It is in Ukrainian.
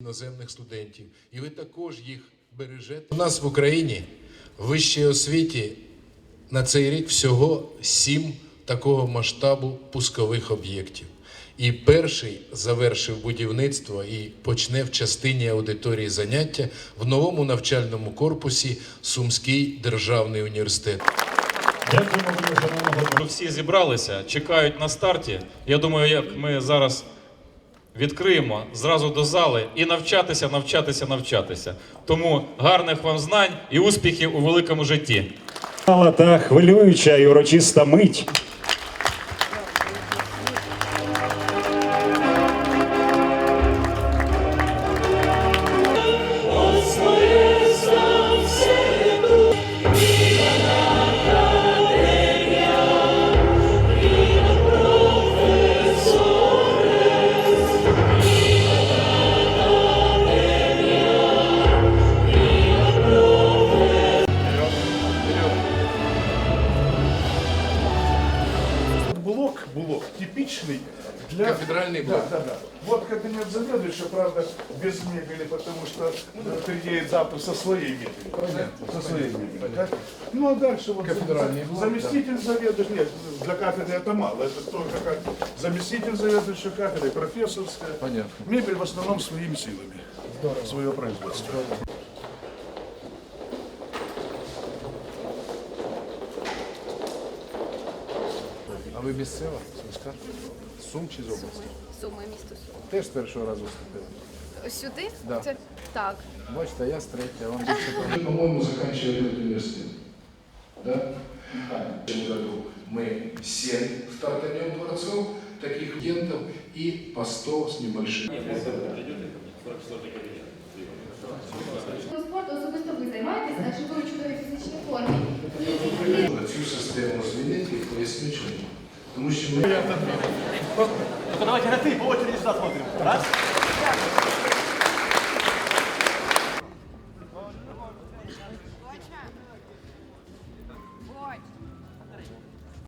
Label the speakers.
Speaker 1: іноземних студентів. І ви також їх бережете. У нас в Україні в вищій освіті на цей рік всього 7 такого масштабу пускових об'єктів. І перший завершив будівництво і почне в частині аудиторії заняття в новому навчальному корпусі Сумський державний університет.
Speaker 2: Дякуємо, шановного.
Speaker 3: Всі зібралися, чекають на старті. Я думаю, як ми зараз відкриємо зразу до зали і навчатися. Тому гарних вам знань і успіхів у великому житті.
Speaker 2: Та хвилююча і урочиста мить.
Speaker 4: Блок типичный для...
Speaker 1: Кафедральный блок.
Speaker 4: Да. Вот кабинет заведующего, правда, без мебели, потому что приедет завтра со своей мебелью. Понятно. Со своей мебелью. Да? Ну а дальше вот
Speaker 1: Кафедральный блок,
Speaker 4: заместитель заведующего, нет, для кафедры это мало, это только как заместитель заведующего кафедры, профессорская.
Speaker 1: Понятно.
Speaker 4: Мебель в основном своими силами. Здорово. Свое производство.
Speaker 1: А ви місцева? Сумська? Сум чи з області?
Speaker 5: Суми, місто Суми.
Speaker 1: Теж з першого разу вступили.
Speaker 5: Сюди?
Speaker 1: Да.
Speaker 5: Це так.
Speaker 1: Бачите, я з третього, вам більше. Вы, по-моему, заканчивали этот университет. Да? В этом году мы 7 стартанем дворцов, таких студентов, и по 100 с небольшим.
Speaker 6: Спорту особисто ви займаєтесь, адже ви у чудовій фізичній формі.
Speaker 1: Цю систему звільнити і поясню чому. Тому що ми...
Speaker 7: Давайте на ты, по очереди сюда смотрим. Раз.